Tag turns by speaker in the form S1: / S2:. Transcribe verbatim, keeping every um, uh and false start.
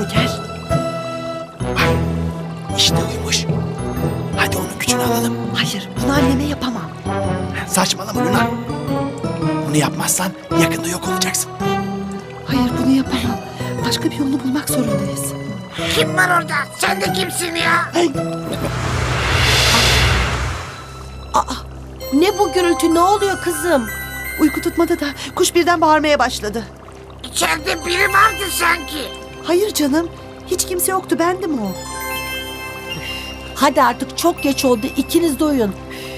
S1: Gel.
S2: Bak işte uyumuş. Hadi onun gücünü alalım.
S1: Hayır, bunu anneme yapamam.
S2: Saçmalama Luna. Bunu yapmazsan yakında yok olacaksın.
S1: Hayır, bunu yapamam. Başka bir yolunu bulmak zorundayız.
S3: Kim var orada? Sen de kimsin ya?
S4: Ne bu gürültü, ne oluyor kızım?
S1: Uyku tutmadı da kuş birden bağırmaya başladı.
S3: İçeride biri vardı sanki.
S1: Hayır canım, hiç kimse yoktu, bendim o.
S4: Hadi artık çok geç oldu, ikiniz de uyuyun.